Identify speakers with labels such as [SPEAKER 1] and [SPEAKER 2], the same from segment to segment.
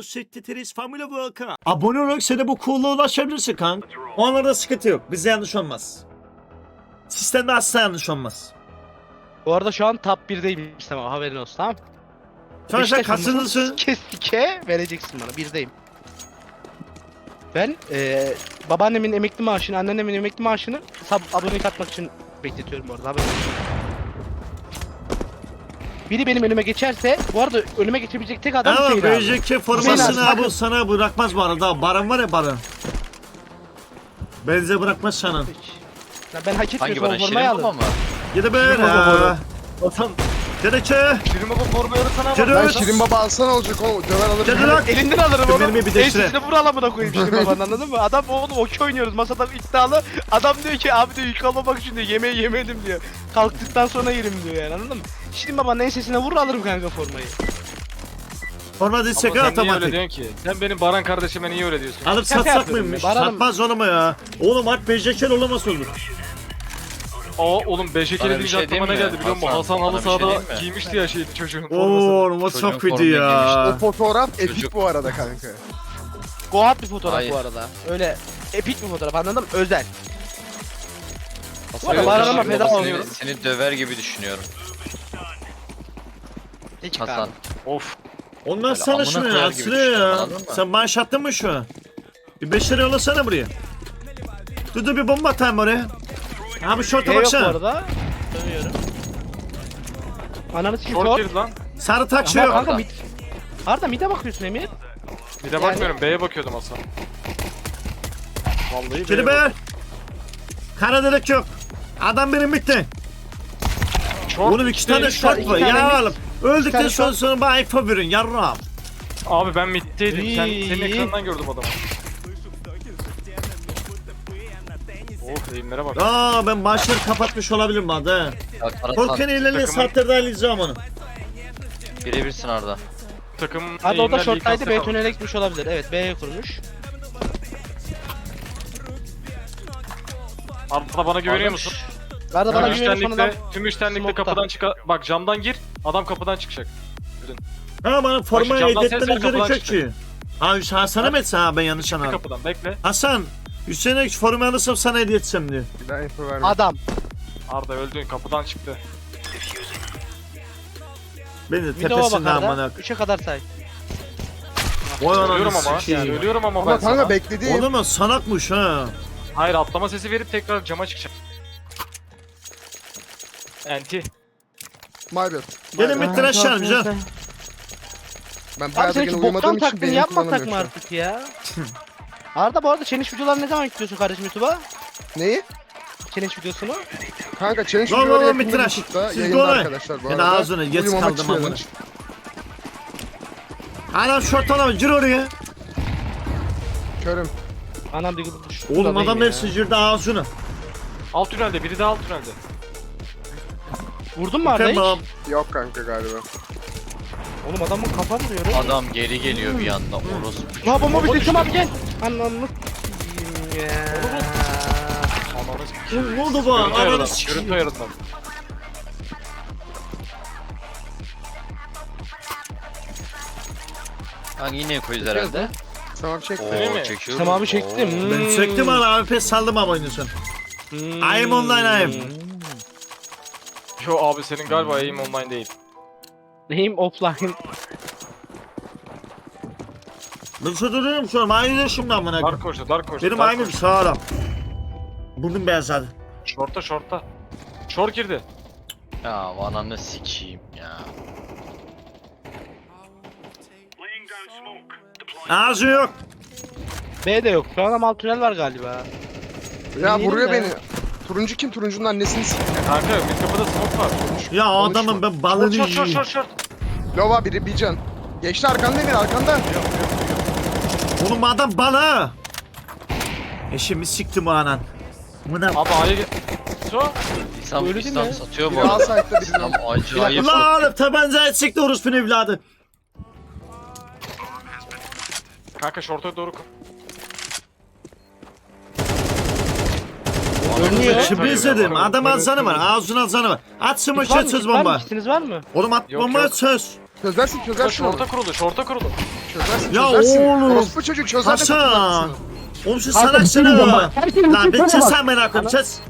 [SPEAKER 1] Sekreteriz Family Welcome. Abone olarak sen de bu cool'luğa ulaşabilirsin kanka. Onlarda sıkıntı yok. Bizde yanlış olmaz. Sistemde asla yanlış olmaz.
[SPEAKER 2] Bu arada şu an top 1'deyim istemem, haberin olsun, tamam.
[SPEAKER 1] Sonra sen
[SPEAKER 2] Beşiktaş
[SPEAKER 1] kaçıncısın?
[SPEAKER 2] olmasın, Kesike vereceksin bana, 1'deyim. Ben babaannemin emekli maaşını, anneannemin emekli maaşını abonelik atmak için bekletiyorum bu arada, haberin olsun. Biri benim önüme geçerse, bu arada önüme geçebilecek tek adam
[SPEAKER 1] Ama
[SPEAKER 2] Hüseyin abi.
[SPEAKER 1] BJK formasını
[SPEAKER 2] Hüseyin abi,
[SPEAKER 1] abi sana bırakmaz bu arada. Baran var ya Baran. Benze bırakmaz sana.
[SPEAKER 2] Ya ben hak
[SPEAKER 3] Hangi
[SPEAKER 2] etmiyorsam
[SPEAKER 3] bana?
[SPEAKER 2] o formayı
[SPEAKER 3] Şirin baba
[SPEAKER 2] alırım.
[SPEAKER 3] mı?
[SPEAKER 1] Gide böyle.
[SPEAKER 4] Vatan.
[SPEAKER 1] Dedeke.
[SPEAKER 4] Şirin baba formayı sana
[SPEAKER 1] Gide
[SPEAKER 4] bak.
[SPEAKER 5] Lan Şirin Baba alsana olacak o döver alır.
[SPEAKER 1] Gide lan.
[SPEAKER 2] Elinden alırım
[SPEAKER 1] Dur,
[SPEAKER 2] onu.
[SPEAKER 1] benim bir de şuraya.
[SPEAKER 2] Ensesine vur alamına koyayım Şirin babanın, anladın mı? Adam oğlum okey oynuyoruz, masada iddialı. Adam diyor ki abi diyor yük almamak için diyor, yemeği yemedim diyor. Kalktıktan sonra yerim diyor yani, anladın mı? Şirin babanın ensesine vur alırım kanka formayı.
[SPEAKER 1] Forma dizsek
[SPEAKER 4] Ama sen niye öyle
[SPEAKER 1] otomatik.
[SPEAKER 4] diyorsun ki? Sen benim Baran kardeşime niye öyle diyorsun?
[SPEAKER 1] Alıp
[SPEAKER 2] Şaka
[SPEAKER 1] satsak
[SPEAKER 2] yapıyorum
[SPEAKER 1] mıymış?
[SPEAKER 2] ya, Baran'ım-
[SPEAKER 1] Satmaz onu mu ya? Oğlum at BJK olamaz olur.
[SPEAKER 4] Aa oğlum 5
[SPEAKER 3] Bana bir
[SPEAKER 4] deyince
[SPEAKER 3] şey
[SPEAKER 4] aklıma ne
[SPEAKER 3] diyeyim mi?
[SPEAKER 4] geldi biliyor musun?
[SPEAKER 3] Hasan,
[SPEAKER 4] Hasan
[SPEAKER 3] bana
[SPEAKER 4] halı
[SPEAKER 3] bir şey
[SPEAKER 4] sahada
[SPEAKER 3] diyeyim mi?
[SPEAKER 4] giymişti ya şeydi çocuğun formasını.
[SPEAKER 1] Oğlum o
[SPEAKER 3] Çocuğun
[SPEAKER 1] çok kötü
[SPEAKER 3] formayı
[SPEAKER 1] ya.
[SPEAKER 5] O fotoğraf epik
[SPEAKER 3] Çocuk.
[SPEAKER 5] bu arada kanka.
[SPEAKER 2] Goat bir fotoğraf
[SPEAKER 3] Hayır.
[SPEAKER 2] bu arada. Öyle epik bir fotoğraf, anladın mı? Özel.
[SPEAKER 3] Hasan,
[SPEAKER 2] arada Baran'a
[SPEAKER 3] Şirin
[SPEAKER 2] feda
[SPEAKER 3] baba
[SPEAKER 2] oluyorum.
[SPEAKER 3] Seni döver gibi düşünüyorum.
[SPEAKER 2] Hiç
[SPEAKER 3] Hasan.
[SPEAKER 2] Hasan.
[SPEAKER 4] Of.
[SPEAKER 1] Ondan
[SPEAKER 3] Böyle
[SPEAKER 1] sana
[SPEAKER 3] amına
[SPEAKER 1] şunu
[SPEAKER 3] koyar
[SPEAKER 1] ya.
[SPEAKER 3] gibi
[SPEAKER 1] Sıraya ya.
[SPEAKER 3] düşünüyorum, anladın mı?
[SPEAKER 1] Sen maaş attın mı şu an? Bir 5 lira yollasana buraya. Dur bir bomba atayım oraya. Abi şorta
[SPEAKER 2] Yok bu
[SPEAKER 1] baksana.
[SPEAKER 2] arada. Dönüyorum. Ananı sikim
[SPEAKER 4] Short
[SPEAKER 2] short.
[SPEAKER 4] girdi lan.
[SPEAKER 1] Sarı tak şey
[SPEAKER 2] Ama
[SPEAKER 1] yok.
[SPEAKER 2] kanka mid. Arda mid'e bakıyorsun Emir.
[SPEAKER 4] Bir de bakmıyorum B'ye bakıyordum Hasan. Vallahi B'ye
[SPEAKER 1] Geri be. Kara delik yok. Adam benim bitti.
[SPEAKER 4] Short
[SPEAKER 1] Oğlum iki tane
[SPEAKER 2] iki tane
[SPEAKER 1] short var.
[SPEAKER 2] mid,
[SPEAKER 1] Ya oğlum. Öldükten
[SPEAKER 2] tane
[SPEAKER 1] sonra
[SPEAKER 2] short.
[SPEAKER 1] sonra bana info verin yarrağım.
[SPEAKER 4] Abi ben middeydim. Senin
[SPEAKER 2] İyi.
[SPEAKER 4] ekranından gördüm adamı. Of eğimlere bak.
[SPEAKER 1] Aa ben maçları kapatmış olabilirim hadi he.
[SPEAKER 3] Ya Karasan,
[SPEAKER 1] Korkan ilerleyen
[SPEAKER 4] takımın-
[SPEAKER 1] saatlerden izleyeceğim onu.
[SPEAKER 3] birebirsin Arda.
[SPEAKER 4] Takım
[SPEAKER 2] Arda o da
[SPEAKER 4] eğimler
[SPEAKER 2] short'taydı,
[SPEAKER 4] Likas
[SPEAKER 2] B tünele gitmiş olabilir. Evet, B'ye kurmuş.
[SPEAKER 4] Arda bana güveniyor musun?
[SPEAKER 2] Arda bana
[SPEAKER 4] Tüm
[SPEAKER 2] güveniyorsan adam.
[SPEAKER 4] tüm üçtenlikte
[SPEAKER 2] smoke'ta.
[SPEAKER 4] kapıdan çıkar. Bak camdan gir. Adam kapıdan çıkacak.
[SPEAKER 1] Ha bana formayı
[SPEAKER 4] camdan ses
[SPEAKER 1] edetmene
[SPEAKER 4] ver, kapıdan
[SPEAKER 1] gerek yok ki. Ha Hasan'a mı etsen ha ben yanlış anladım.
[SPEAKER 4] Kapıdan bekle.
[SPEAKER 1] Hasan Hüseyin'e formayı alırsam sana hediye etsem diyor.
[SPEAKER 5] Bir daha info verme.
[SPEAKER 2] Adam.
[SPEAKER 4] Arda öldün kapıdan çıktı.
[SPEAKER 1] Beni de
[SPEAKER 2] Mid'e
[SPEAKER 1] tepesinden
[SPEAKER 2] bak
[SPEAKER 1] amına.
[SPEAKER 2] Arda. 3'e kadar say.
[SPEAKER 1] Vay
[SPEAKER 4] Söylüyorum
[SPEAKER 1] ananı
[SPEAKER 4] ama.
[SPEAKER 1] sikeyim.
[SPEAKER 4] Söylüyorum ama ben
[SPEAKER 5] Ama kanka
[SPEAKER 4] sana.
[SPEAKER 5] beklediğim.
[SPEAKER 1] Oğlum o sanakmış ha.
[SPEAKER 4] Hayır atlama sesi verip tekrar cama çıkacak. Enti.
[SPEAKER 5] My bad.
[SPEAKER 1] Gelin bir tıraş canım canım.
[SPEAKER 5] Ben
[SPEAKER 2] Abi
[SPEAKER 5] bayağı da
[SPEAKER 2] sen
[SPEAKER 5] gene
[SPEAKER 2] hiç
[SPEAKER 5] uyumadığım
[SPEAKER 2] boktan
[SPEAKER 5] için
[SPEAKER 2] taklidini
[SPEAKER 5] beynim
[SPEAKER 2] yapmasak mı
[SPEAKER 5] kullanamıyor şu an.
[SPEAKER 2] artık ya? Arda bu arada challenge videolarını ne zaman yüklüyorsun kardeşim YouTube'a?
[SPEAKER 5] Neyi?
[SPEAKER 2] Challenge videosunu?
[SPEAKER 5] Kanka challenge
[SPEAKER 1] Lan
[SPEAKER 5] videoları
[SPEAKER 1] lan bir
[SPEAKER 5] yakında
[SPEAKER 1] tıraş.
[SPEAKER 5] YouTube'da
[SPEAKER 1] Siz
[SPEAKER 5] yayında
[SPEAKER 1] dolayı.
[SPEAKER 5] arkadaşlar bu
[SPEAKER 1] Ben
[SPEAKER 5] arada.
[SPEAKER 1] ağzına geç
[SPEAKER 5] Uyumamak
[SPEAKER 1] kaldım
[SPEAKER 5] istiyorlar.
[SPEAKER 1] amına. Adam şort alamıyor gir oraya.
[SPEAKER 5] Körüm.
[SPEAKER 2] Anam bir gıdımış.
[SPEAKER 1] Oğlum adam hepsi girdi ağzına.
[SPEAKER 4] Alt tünelde biri de alt tünelde.
[SPEAKER 2] Vurdun mu Arda hiç?
[SPEAKER 1] Tamam.
[SPEAKER 5] Yok kanka galiba.
[SPEAKER 2] Oğlum adamın kafa vuruyor oğlum.
[SPEAKER 3] Adam geri geliyor bir anda orospu.
[SPEAKER 2] Ya bomba
[SPEAKER 4] Bomba
[SPEAKER 2] bitirdim
[SPEAKER 4] düştü.
[SPEAKER 2] abi gel. Ananı s**eyim ya.
[SPEAKER 4] Ananı s**eyim.
[SPEAKER 1] Ne oldu bu?
[SPEAKER 4] Görüntü
[SPEAKER 1] Ananı
[SPEAKER 4] ayarından.
[SPEAKER 1] sikeyim.
[SPEAKER 4] Görüntü ayarından.
[SPEAKER 3] Hangi yine koyuz herhalde?
[SPEAKER 5] Tamam çek.
[SPEAKER 4] Öyle mi?
[SPEAKER 3] Çekiyorum.
[SPEAKER 2] Sen abi çektim.
[SPEAKER 3] Oo.
[SPEAKER 1] Ben çektim ana abi pes saldım ama oynuyorsun. I'm online, I'm.
[SPEAKER 4] Yo abi senin galiba aim online değil.
[SPEAKER 2] Neyim offline.
[SPEAKER 1] Ben duruyorum şu an. Aynı şimdi amına.
[SPEAKER 4] Dark Horse'da Dark Horse'da.
[SPEAKER 1] Benim
[SPEAKER 4] Dark
[SPEAKER 1] aynı
[SPEAKER 4] Horse.
[SPEAKER 1] sağlam. Burnum beyazladı.
[SPEAKER 4] Short'ta short'ta. Short girdi.
[SPEAKER 3] Ya ananı sikeyim ya.
[SPEAKER 1] Ağzı yok.
[SPEAKER 2] B de yok. Şu an ama alt tünel var galiba.
[SPEAKER 5] Ya
[SPEAKER 2] Yemin
[SPEAKER 5] vuruyor
[SPEAKER 2] ederim
[SPEAKER 5] beni. Turuncu kim? Turuncunun annesini s***.
[SPEAKER 4] Kanka mid kapıda smoke var.
[SPEAKER 1] Ya adamım ben balını
[SPEAKER 4] Short short
[SPEAKER 1] yiyeyim.
[SPEAKER 4] short short.
[SPEAKER 5] Lova biri bir can. Geçti arkanda Emir arkanda.
[SPEAKER 1] Oğlum adam balı. Eşimi siktim o anan. Buna
[SPEAKER 4] Abi A'ya gel. So.
[SPEAKER 3] İnsan
[SPEAKER 2] Öyle değil
[SPEAKER 3] İslam
[SPEAKER 2] mi?
[SPEAKER 3] satıyor bu
[SPEAKER 5] Biri A
[SPEAKER 3] arada.
[SPEAKER 5] site'da biri
[SPEAKER 3] İslam
[SPEAKER 5] B.
[SPEAKER 3] acayip.
[SPEAKER 1] la oğlum tabancayı sikti orospunun evladı.
[SPEAKER 4] Kanka short'a doğru koy.
[SPEAKER 2] Görünüyor.
[SPEAKER 1] Şimdi izledim. Adam azanı var. Ağzına azanı var. At
[SPEAKER 2] Kit
[SPEAKER 1] smoke
[SPEAKER 2] var mı?
[SPEAKER 1] söz
[SPEAKER 2] Kit var mı?
[SPEAKER 1] bomba.
[SPEAKER 2] Kitiniz var mı?
[SPEAKER 1] Oğlum at
[SPEAKER 4] Yok,
[SPEAKER 1] bomba
[SPEAKER 4] yok.
[SPEAKER 1] söz.
[SPEAKER 5] Çözersin çözersin onu.
[SPEAKER 4] Şorta kuruldu, şorta kuruldu.
[SPEAKER 5] Çözersin
[SPEAKER 1] Ya
[SPEAKER 5] çözersin.
[SPEAKER 1] oğlum.
[SPEAKER 5] Orospu çocuğu çözer de
[SPEAKER 1] Hasan.
[SPEAKER 5] kurtularsın.
[SPEAKER 1] Oğlum şu salaksını. Lan bir çiz sen merak etme çiz.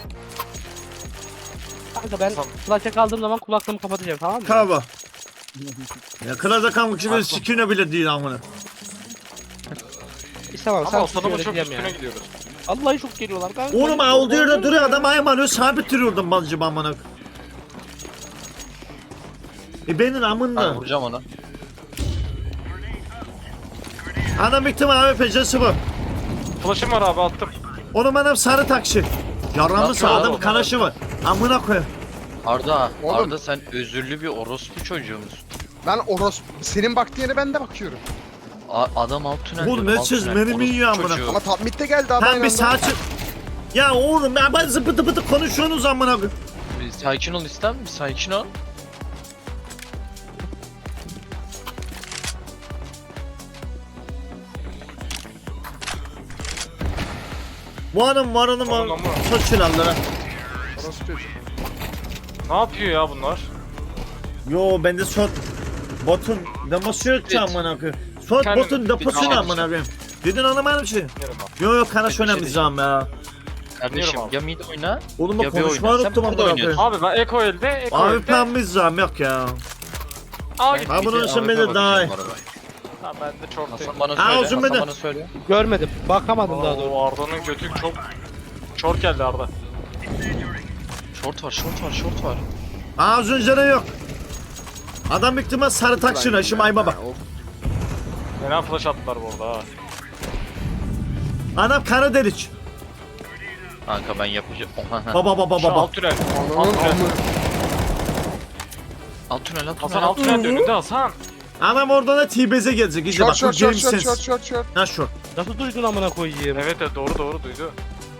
[SPEAKER 2] Kanka ben flash'a kaldığım zaman kulaklığımı kapatacağım, tamam mı?
[SPEAKER 1] Kaba. Ya kırada kalmak için sikine bile değil amına.
[SPEAKER 2] İstemem,
[SPEAKER 4] Ama
[SPEAKER 2] sen
[SPEAKER 4] Hasan'ımın çok
[SPEAKER 2] öğreteceğim
[SPEAKER 4] üstüne
[SPEAKER 2] ya.
[SPEAKER 4] gidiyoruz.
[SPEAKER 2] Vallahi çok geliyorlar kanka.
[SPEAKER 1] Oğlum olduğu yerde duruyor adam aymanıyor sabit duruyordum bazıcım amına. Benim
[SPEAKER 3] Ben
[SPEAKER 1] amında.
[SPEAKER 3] vuracağım onu.
[SPEAKER 1] Adam bitti mi abi pecesi bu.
[SPEAKER 4] Flash'ım var abi, attım.
[SPEAKER 1] Onun benim sarı taksi. Yaramı
[SPEAKER 3] Nasıl
[SPEAKER 1] sağdım
[SPEAKER 3] abi?
[SPEAKER 1] kanaşı var. Amına koy.
[SPEAKER 3] Arda,
[SPEAKER 5] Oğlum.
[SPEAKER 3] Arda sen özürlü bir orospu çocuğu musun?
[SPEAKER 5] Ben orospu. Senin baktığın yere ben de bakıyorum.
[SPEAKER 3] Adam alt tünelde.
[SPEAKER 1] Oğlum ne
[SPEAKER 3] alt
[SPEAKER 1] çiz,
[SPEAKER 3] tünel,
[SPEAKER 1] beni mi
[SPEAKER 3] orospu
[SPEAKER 1] yiyor amına?
[SPEAKER 3] çocuğu.
[SPEAKER 5] Ama top mid'de geldi abi.
[SPEAKER 1] Hem
[SPEAKER 5] aynı
[SPEAKER 1] bir
[SPEAKER 5] anda.
[SPEAKER 1] saat. Ya oğlum ya ben zıpıtı pıtı konuşuyorsunuz amına koy.
[SPEAKER 3] Bir sakin ol İslam, bir sakin ol.
[SPEAKER 1] Bu adam var onun var.
[SPEAKER 4] Oğlum ama.
[SPEAKER 1] Çok silahlara.
[SPEAKER 5] Orospu çocuğu.
[SPEAKER 4] Ne yapıyor ya bunlar?
[SPEAKER 1] Yo bende shot botun demosu yok ki
[SPEAKER 3] Evet.
[SPEAKER 1] amına koy. Shot
[SPEAKER 4] Kendim-
[SPEAKER 1] botun deposu ne
[SPEAKER 3] bir-
[SPEAKER 1] amına koyayım. Dedin anlamadım şey.
[SPEAKER 4] Bilmiyorum abi.
[SPEAKER 1] Yo yo kanaş
[SPEAKER 3] Bir şey
[SPEAKER 1] önemli zaman ya.
[SPEAKER 3] Kardeşim
[SPEAKER 4] Bilmiyorum abi.
[SPEAKER 3] ya mid oyna.
[SPEAKER 1] Oğlum
[SPEAKER 3] Ya
[SPEAKER 1] bak
[SPEAKER 3] bir
[SPEAKER 1] konuşmayı
[SPEAKER 3] oyna. Sen
[SPEAKER 1] unuttum
[SPEAKER 3] burada
[SPEAKER 1] amına
[SPEAKER 3] oynuyorsun.
[SPEAKER 1] koyayım.
[SPEAKER 4] Abi ben Eko elde, Eko
[SPEAKER 1] Abi
[SPEAKER 4] elde.
[SPEAKER 1] ben zaman yok ya.
[SPEAKER 4] Aa gitti.
[SPEAKER 1] Ha bunun
[SPEAKER 3] Bir de
[SPEAKER 1] için
[SPEAKER 3] AWP
[SPEAKER 1] beni daha iyi.
[SPEAKER 3] bakacağım bu arada.
[SPEAKER 4] Ha ben de çok değil.
[SPEAKER 3] Hasan bana
[SPEAKER 1] Ha,
[SPEAKER 3] söyle,
[SPEAKER 1] uzun
[SPEAKER 3] Hasan
[SPEAKER 1] beni.
[SPEAKER 3] bana söyle.
[SPEAKER 2] Görmedim, bakamadım daha doğrusu.
[SPEAKER 4] Oo, Arda'nın götü çok... Short geldi Arda.
[SPEAKER 3] Short var, short var, short var.
[SPEAKER 1] Az önce de yok. Adam büyük ihtimal sarı taksına şimdi ayma bak.
[SPEAKER 4] Fena flash attılar bu arada ha.
[SPEAKER 1] Adam kara delik.
[SPEAKER 3] Kanka ben yapacağım. Oha.
[SPEAKER 1] Baba baba
[SPEAKER 4] Şu
[SPEAKER 1] baba.
[SPEAKER 4] alt tünel.
[SPEAKER 5] Ananın
[SPEAKER 4] Alt tünel.
[SPEAKER 5] amı.
[SPEAKER 3] Alt tünel, alt
[SPEAKER 4] Hasan
[SPEAKER 3] tünel.
[SPEAKER 4] alt tünel önünde Hasan.
[SPEAKER 1] Adam oradan da T-Base'e gelecek. İyice
[SPEAKER 5] Short
[SPEAKER 1] bak bu
[SPEAKER 5] short short
[SPEAKER 1] game
[SPEAKER 5] short
[SPEAKER 1] sense.
[SPEAKER 5] short short short.
[SPEAKER 1] Ha şu.
[SPEAKER 2] Nasıl duydun amına koyayım?
[SPEAKER 4] Evet evet doğru doğru duydu.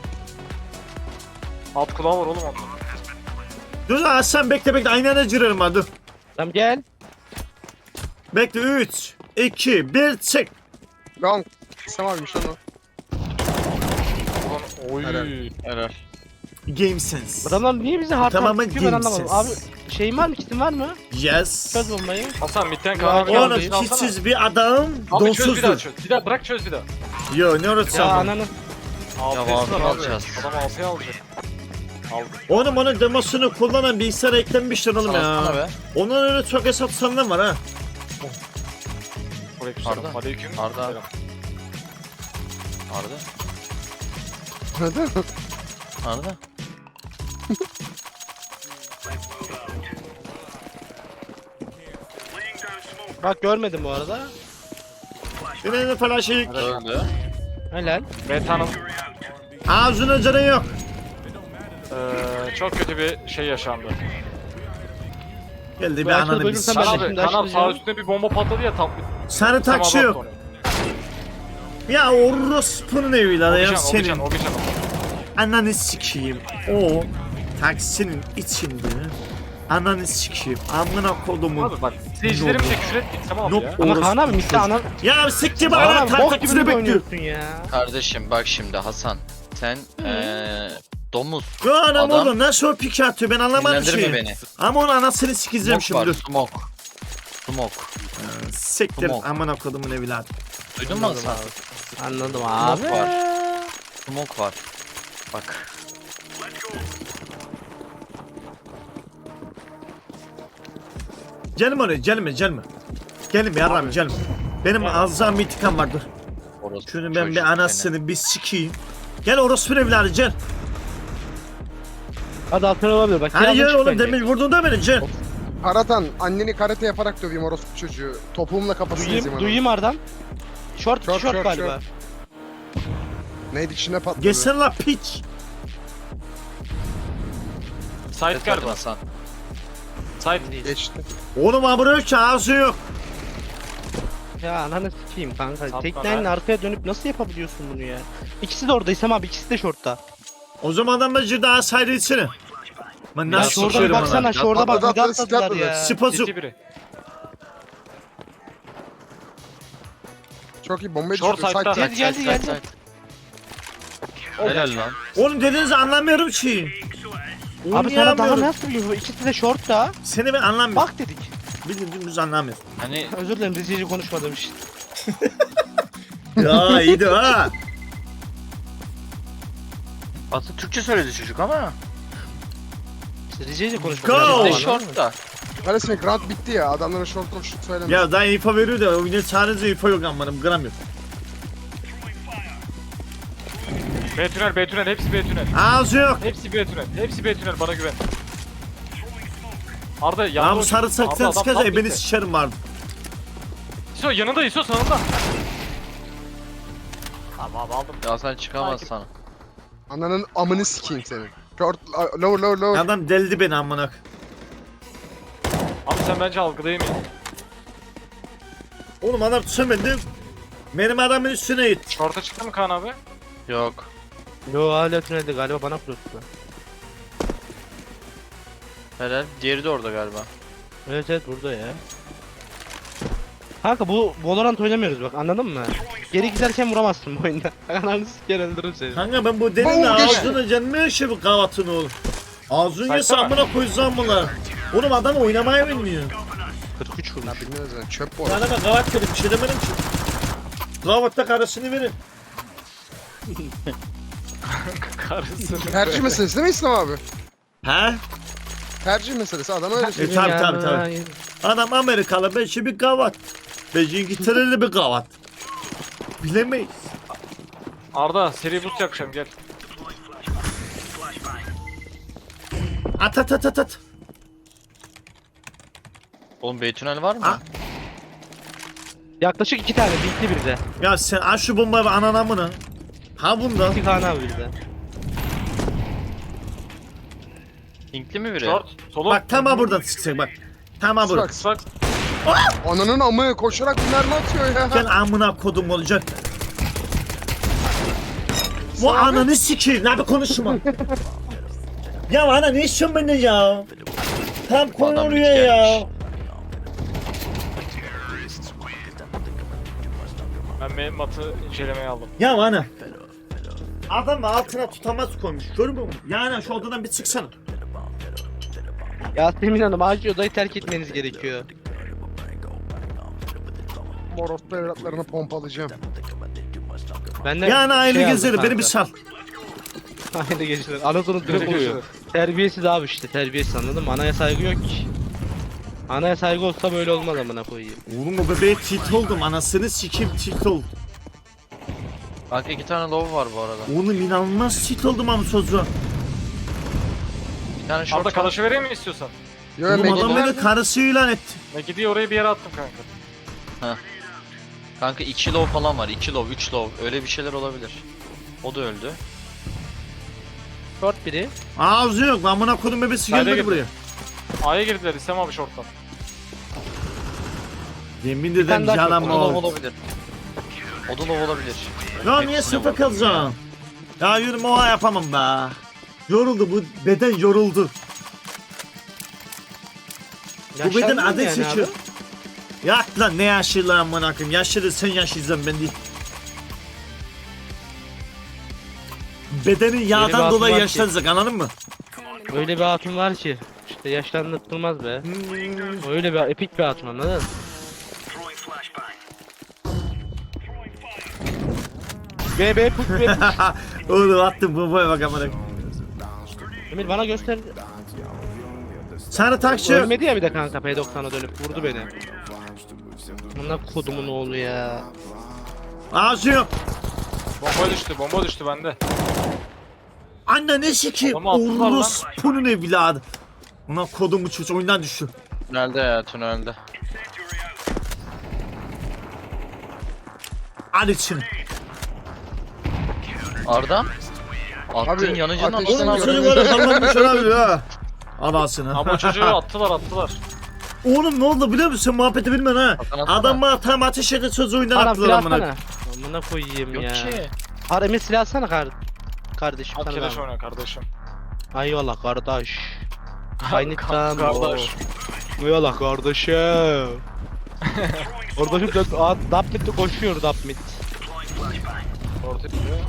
[SPEAKER 4] Alt kulağı var oğlum onda.
[SPEAKER 1] Dur lan sen bekle aynı anda girelim hadi.
[SPEAKER 2] Tamam gel.
[SPEAKER 1] Bekle 3, 2, 1 çık.
[SPEAKER 5] Long. İstem abiymiş onu.
[SPEAKER 4] Ulan, oy.
[SPEAKER 5] Helal.
[SPEAKER 3] Helal.
[SPEAKER 1] Game sense.
[SPEAKER 2] Adamlar niye bize hard
[SPEAKER 1] Tamamen
[SPEAKER 2] hard tutuyor ben
[SPEAKER 1] game
[SPEAKER 2] anlamadım. Abi
[SPEAKER 1] sense.
[SPEAKER 2] şeyin var mı, kitin var mı?
[SPEAKER 1] Yes.
[SPEAKER 2] Çöz bombayı.
[SPEAKER 4] Hasan midden
[SPEAKER 2] Ya,
[SPEAKER 4] kahve
[SPEAKER 2] oğlum,
[SPEAKER 4] geldi.
[SPEAKER 1] Oğlum hiçsiz bir adam
[SPEAKER 4] Abi çöz bir daha
[SPEAKER 1] donsuzdur.
[SPEAKER 4] çöz. Bir daha bırak çöz bir daha.
[SPEAKER 1] Yo ne
[SPEAKER 2] Ya
[SPEAKER 1] uğraşacağım?
[SPEAKER 2] ananı.
[SPEAKER 4] Altı
[SPEAKER 3] Ya,
[SPEAKER 4] var abi.
[SPEAKER 3] alacağız.
[SPEAKER 4] Adam altıya alacak. Aldı.
[SPEAKER 1] Oğlum onun demosunu kullanan bilgisayara eklenmiştir oğlum
[SPEAKER 3] Sana
[SPEAKER 1] ya.
[SPEAKER 3] be.
[SPEAKER 1] Onun öyle çok hesap sanılan var ha.
[SPEAKER 4] Aleykümselam.
[SPEAKER 3] Arda.
[SPEAKER 4] Aleyküm.
[SPEAKER 3] Arda.
[SPEAKER 4] selam.
[SPEAKER 3] Arda.
[SPEAKER 5] Anladın mı?
[SPEAKER 3] Arda.
[SPEAKER 2] Bak görmedim bu arada.
[SPEAKER 1] Yine de falan şey.
[SPEAKER 3] Öldü.
[SPEAKER 2] Helal.
[SPEAKER 4] Meta'nın
[SPEAKER 1] Ağzına canı yok.
[SPEAKER 4] çok kötü bir şey yaşandı.
[SPEAKER 1] Geldi bir
[SPEAKER 2] Bu
[SPEAKER 1] ananı bir
[SPEAKER 2] ölürsem
[SPEAKER 1] s***.
[SPEAKER 2] ben
[SPEAKER 4] Abi
[SPEAKER 2] şimdi
[SPEAKER 4] kanal sağ
[SPEAKER 2] açmayacağım.
[SPEAKER 4] üstüne bir bomba patladı ya tam.
[SPEAKER 1] Sarı
[SPEAKER 4] tam
[SPEAKER 1] taksi
[SPEAKER 4] adam
[SPEAKER 1] yok.
[SPEAKER 4] sonra.
[SPEAKER 1] Ya orospunun evi lan ya
[SPEAKER 4] Obican,
[SPEAKER 1] senin.
[SPEAKER 4] Obican.
[SPEAKER 1] Ananı sikeyim. O taksinin içinde. Ananı sikeyim. Amına kodumun.
[SPEAKER 4] Abi bak seyircilerim de küfür ettik tamam
[SPEAKER 1] Yok.
[SPEAKER 4] ya.
[SPEAKER 2] Ama
[SPEAKER 1] Orospu
[SPEAKER 2] Kaan abi mitte
[SPEAKER 1] çocuğu.
[SPEAKER 2] ana.
[SPEAKER 1] Ya siktir
[SPEAKER 2] Kaan
[SPEAKER 1] bana
[SPEAKER 2] abi
[SPEAKER 1] tak
[SPEAKER 2] bok
[SPEAKER 1] tak
[SPEAKER 2] gibi
[SPEAKER 1] size
[SPEAKER 2] bir
[SPEAKER 1] bekliyor.
[SPEAKER 2] oynuyorsun ya.
[SPEAKER 3] Kardeşim bak şimdi Hasan. Sen domuz.
[SPEAKER 1] Ya anam
[SPEAKER 3] Adam-
[SPEAKER 1] oğlum nasıl o pik atıyor ben anlamadım
[SPEAKER 3] Dinlendirme
[SPEAKER 1] şeyi.
[SPEAKER 3] beni.
[SPEAKER 1] Ama onun anasını sikeceğim
[SPEAKER 3] Smoke
[SPEAKER 1] şimdi.
[SPEAKER 3] var, smoke. Smoke.
[SPEAKER 1] Siktir
[SPEAKER 3] Smoke.
[SPEAKER 1] amına kodumun evladı.
[SPEAKER 3] Duydun mu Hasan?
[SPEAKER 2] Anladım abi.
[SPEAKER 3] Smoke var. Smoke var. Bak.
[SPEAKER 1] Gelme oraya gelme. Gelme yarram gelme. Benim azam itikam vardır.
[SPEAKER 3] Orospu
[SPEAKER 1] Şunu ben
[SPEAKER 3] çocuğu
[SPEAKER 1] bir
[SPEAKER 3] seni.
[SPEAKER 1] anasını bir sikeyim. Gel orospu evladı gel.
[SPEAKER 2] Hadi altına olabilir bak.
[SPEAKER 1] Hani
[SPEAKER 2] birazdan
[SPEAKER 1] gel
[SPEAKER 2] çık
[SPEAKER 1] oğlum
[SPEAKER 2] bence.
[SPEAKER 1] demin vurdun da beni gel.
[SPEAKER 5] Karatan anneni karate yaparak döveyim orospu çocuğu. Topuğumla kafasını ezeyim onu.
[SPEAKER 2] Duyayım Arda'm. Short
[SPEAKER 5] Short,
[SPEAKER 2] short
[SPEAKER 5] short,
[SPEAKER 2] galiba.
[SPEAKER 5] Neydi içine patladı.
[SPEAKER 1] Geçsene la piç.
[SPEAKER 4] Sait
[SPEAKER 3] Evet,
[SPEAKER 4] galiba.
[SPEAKER 3] Hasan.
[SPEAKER 4] Sait.
[SPEAKER 5] Geçti.
[SPEAKER 1] Oğlum abone yok ki ağzı yok.
[SPEAKER 2] Ya ananı sikeyim kanka.
[SPEAKER 4] Sapma
[SPEAKER 2] Teknenin
[SPEAKER 4] be.
[SPEAKER 2] arkaya dönüp nasıl yapabiliyorsun bunu ya? İkisi de orada İsem abi, ikisi de shortta.
[SPEAKER 1] O zaman adam bence daha sayrı içine. Ben
[SPEAKER 2] Ya
[SPEAKER 1] nasıl
[SPEAKER 2] şurada bir
[SPEAKER 1] sıkıyorum
[SPEAKER 2] baksana,
[SPEAKER 1] ona.
[SPEAKER 2] şurada bak
[SPEAKER 5] Atladı,
[SPEAKER 2] bir de
[SPEAKER 5] atladı,
[SPEAKER 2] atladılar
[SPEAKER 5] atladı.
[SPEAKER 2] ya.
[SPEAKER 1] Spazuk.
[SPEAKER 4] City biri.
[SPEAKER 5] Çok iyi bombayı
[SPEAKER 4] Short
[SPEAKER 5] düşürdü.
[SPEAKER 4] side'da.
[SPEAKER 5] Side-
[SPEAKER 2] Geldi, geldi.
[SPEAKER 3] Side. Helal lan.
[SPEAKER 1] Oğlum dediğinizi anlamıyorum ki.
[SPEAKER 2] Abi sana daha
[SPEAKER 1] Oynayamıyorum.
[SPEAKER 2] nasıl biliyorsun? İkisi de shortta.
[SPEAKER 1] Seni ben anlamıyorum.
[SPEAKER 2] Bak dedik.
[SPEAKER 1] Bildiğin dümdüz anlamıyor.
[SPEAKER 3] Hani
[SPEAKER 2] Özür dilerim Rize'yi konuşmadığım için.
[SPEAKER 1] Ya iyiydi ha.
[SPEAKER 3] aslında Türkçe söyledi çocuk ama.
[SPEAKER 2] Rize'yi
[SPEAKER 1] Go!
[SPEAKER 2] konuşmadım.
[SPEAKER 3] Bir de short da.
[SPEAKER 5] Kardeşim Grant bitti ya. Adamlara short of shoot söyleme.
[SPEAKER 1] Ya daha info veriyor da oyunda sadece info yok ammanım gram yok.
[SPEAKER 4] B tünel, B tünel, hepsi B tünel.
[SPEAKER 1] Ağzı yok.
[SPEAKER 4] Hepsi B tünel, hepsi B tünel, bana güven. Arda
[SPEAKER 1] Ya
[SPEAKER 4] yanında
[SPEAKER 1] bu sarı saksan sıkacak beni sıçarım vardı.
[SPEAKER 4] İso yanında, İso sağında. Tamam aldım.
[SPEAKER 3] Ya sen çıkamaz sana.
[SPEAKER 5] Ananın amını sikeyim senin. Short, lower.
[SPEAKER 1] Adam deldi beni amına.
[SPEAKER 4] Abi sen bence algılayamayın.
[SPEAKER 1] Oğlum adam tüsemedim. Benim adamın üstüne git.
[SPEAKER 4] Short'a çıktı mı Kaan abi?
[SPEAKER 3] Yok.
[SPEAKER 2] Yo hala tünelde galiba bana kuruttu.
[SPEAKER 3] Helal. Diğeri de orada galiba.
[SPEAKER 2] Evet burada ya. Kanka bu Valorant oynamıyoruz bak anladın mı? Geri giderken vuramazsın bu oyunda. Ananı siker öldürürüm seni.
[SPEAKER 1] Kanka ben bu delinin
[SPEAKER 5] Boğul geçti.
[SPEAKER 1] ağzını canımı yaşıyor bu kavatını oğlum. Ağzını
[SPEAKER 4] Sayfa
[SPEAKER 1] yese
[SPEAKER 4] var.
[SPEAKER 1] amına koyacağım bunlar. Oğlum adam oynamayı bilmiyor.
[SPEAKER 2] 43
[SPEAKER 5] Ya
[SPEAKER 2] vurmuş.
[SPEAKER 5] bilmiyoruz yani çöp bu.
[SPEAKER 1] Yani ben kavat dedim bir şey demedim ki. Kavatta karısını verin.
[SPEAKER 4] Karısı.
[SPEAKER 5] Tercih meselesi değil mi İslam abi?
[SPEAKER 1] He?
[SPEAKER 5] Tercih meselesi adam öyle şey.
[SPEAKER 1] Tabii. Adam Amerikalı beşi bir kavat. Beşi İngiltereli bir kavat. Bilemeyiz.
[SPEAKER 4] Arda seri boost yakacağım gel.
[SPEAKER 1] At.
[SPEAKER 3] Oğlum B tünel var mı?
[SPEAKER 1] Ha?
[SPEAKER 2] Yaklaşık 2 tane bitti bir de.
[SPEAKER 1] Ya sen aç şu bombayı anana mı? Ha bunda.
[SPEAKER 2] 2 tane abi bir de.
[SPEAKER 3] Linkli mi biri?
[SPEAKER 4] Short, solo.
[SPEAKER 1] Bak tam buradan çıkacak bak. Tam burada.
[SPEAKER 5] Bak,
[SPEAKER 4] Bak.
[SPEAKER 5] Ananın amı koşarak mermi atıyor ya.
[SPEAKER 1] Sen amına kodum olacak. Bu ananı sikeyim. Ne bir konuşma. Ya ana ne istiyorsun benden ya? Tam konu
[SPEAKER 3] Adam
[SPEAKER 1] oraya
[SPEAKER 3] hiç
[SPEAKER 1] ya.
[SPEAKER 3] gelmiş.
[SPEAKER 4] Ben matı incelemeye aldım.
[SPEAKER 1] Ya ana. Adam altına tutamaz koymuş. Görmüyor musun? Yani şu odadan bir çıksana.
[SPEAKER 2] Yasemin Hanım acil odayı terk etmeniz gerekiyor.
[SPEAKER 5] Moros'ta evlatlarını pompalayacağım.
[SPEAKER 2] Ben de
[SPEAKER 1] Yani aile
[SPEAKER 2] şey aldım
[SPEAKER 1] gezerim beni
[SPEAKER 2] kanka.
[SPEAKER 1] bir sal.
[SPEAKER 2] Aile gezerim. Anadolu direkt
[SPEAKER 4] Görüşürüz.
[SPEAKER 2] oluyor. Terbiyesiz abi işte terbiyesiz anladın mı? Anaya saygı yok ki. Anaya saygı olsa böyle olmaz amına koyayım.
[SPEAKER 1] Oğlum o bebeğe tilt oldum. Anasını sikeyim tilt oldum.
[SPEAKER 3] Bak 2 tane low var bu arada.
[SPEAKER 1] Oğlum inanılmaz tilt oldum ama çocuğa.
[SPEAKER 3] Bir tane short
[SPEAKER 4] Arda
[SPEAKER 3] var.
[SPEAKER 4] kalaşı vereyim mi istiyorsan?
[SPEAKER 5] Yo
[SPEAKER 1] Oğlum adam
[SPEAKER 5] Megiddo.
[SPEAKER 1] beni karısı ilan etti.
[SPEAKER 4] Megidi'yi oraya bir yere attım kanka.
[SPEAKER 3] Kanka 2 low falan var. 2 low, 3 low. Öyle bir şeyler olabilir. O da öldü.
[SPEAKER 2] Short biri.
[SPEAKER 1] Ağzı yok. Amına kodum bebesi
[SPEAKER 4] Haydi
[SPEAKER 1] gelmedi
[SPEAKER 4] git.
[SPEAKER 1] buraya.
[SPEAKER 4] A'ya girdiler İslam abi short'tan.
[SPEAKER 1] Yemin
[SPEAKER 2] tane
[SPEAKER 1] ederim
[SPEAKER 2] daha
[SPEAKER 1] canım
[SPEAKER 3] O da low
[SPEAKER 1] ol.
[SPEAKER 3] olabilir. O da low olabilir.
[SPEAKER 1] Ya niye
[SPEAKER 3] Hepsine
[SPEAKER 1] sıfır
[SPEAKER 3] vurdu.
[SPEAKER 1] kalacağım? Ya yürüme oha yapamam be. Yoruldu bu beden yoruldu. Bu beden
[SPEAKER 2] Yaşlandın
[SPEAKER 1] adet
[SPEAKER 2] yani
[SPEAKER 1] seçiyor.
[SPEAKER 2] abi.
[SPEAKER 1] Ya lan ne yaşlı lan amına koyayım. Yaşlı sen yaşlıysan ben değil. Bedenin yağdan
[SPEAKER 2] hatun
[SPEAKER 1] dolayı
[SPEAKER 2] var ki.
[SPEAKER 1] yaşlanacak anladın mı?
[SPEAKER 2] Öyle bir hatun var ki. İşte yaşlandırtılmaz be. Öyle bir epik bir hatun anladın mı? Be put be put.
[SPEAKER 1] Oğlum attım bombaya bak amına.
[SPEAKER 2] Emir bana göster.
[SPEAKER 1] Sarı taksi yok.
[SPEAKER 2] Ölmedi ya bir de kanka P90'a dönüp vurdu beni. Bunlar kodumun oğlu ya.
[SPEAKER 1] Ağzı yok.
[SPEAKER 4] Bomba düştü bende.
[SPEAKER 1] Anne ne sikeyim?
[SPEAKER 4] Adamı attılar lan.
[SPEAKER 1] Orospunun evladı. Ona kodumu çocuğu oyundan düştü.
[SPEAKER 3] Tünelde ya tünelde.
[SPEAKER 1] Al için.
[SPEAKER 3] Arda? Attın
[SPEAKER 5] Abi,
[SPEAKER 3] yanıcının
[SPEAKER 5] ateşten
[SPEAKER 3] anasını
[SPEAKER 1] Oğlum
[SPEAKER 5] gördüm.
[SPEAKER 3] avradını.
[SPEAKER 1] çocuk öyle kalmamış olabilir ha. Anasını.
[SPEAKER 4] Ama çocuğu attılar.
[SPEAKER 1] Oğlum ne oldu biliyor musun? Muhabbeti bilmiyorsun ha.
[SPEAKER 3] Hasan atsana.
[SPEAKER 1] Adam bana tam ateş edip çocuğu oyundan
[SPEAKER 2] Bana
[SPEAKER 1] attılar
[SPEAKER 2] silah
[SPEAKER 1] amına.
[SPEAKER 2] atsana. Amına koyayım
[SPEAKER 3] Yok
[SPEAKER 2] ya.
[SPEAKER 3] ki.
[SPEAKER 2] Har Emir silah atsana kardeşim
[SPEAKER 4] At
[SPEAKER 2] sana
[SPEAKER 4] keleş
[SPEAKER 2] ben.
[SPEAKER 4] oyna kardeşim.
[SPEAKER 2] Eyvallah kardeş. Kaynıktan
[SPEAKER 4] Kardeş.
[SPEAKER 2] Eyvallah kardeşim. Kardeşim Dapmit'te koşuyor Dapmit.
[SPEAKER 4] Orta gidiyor.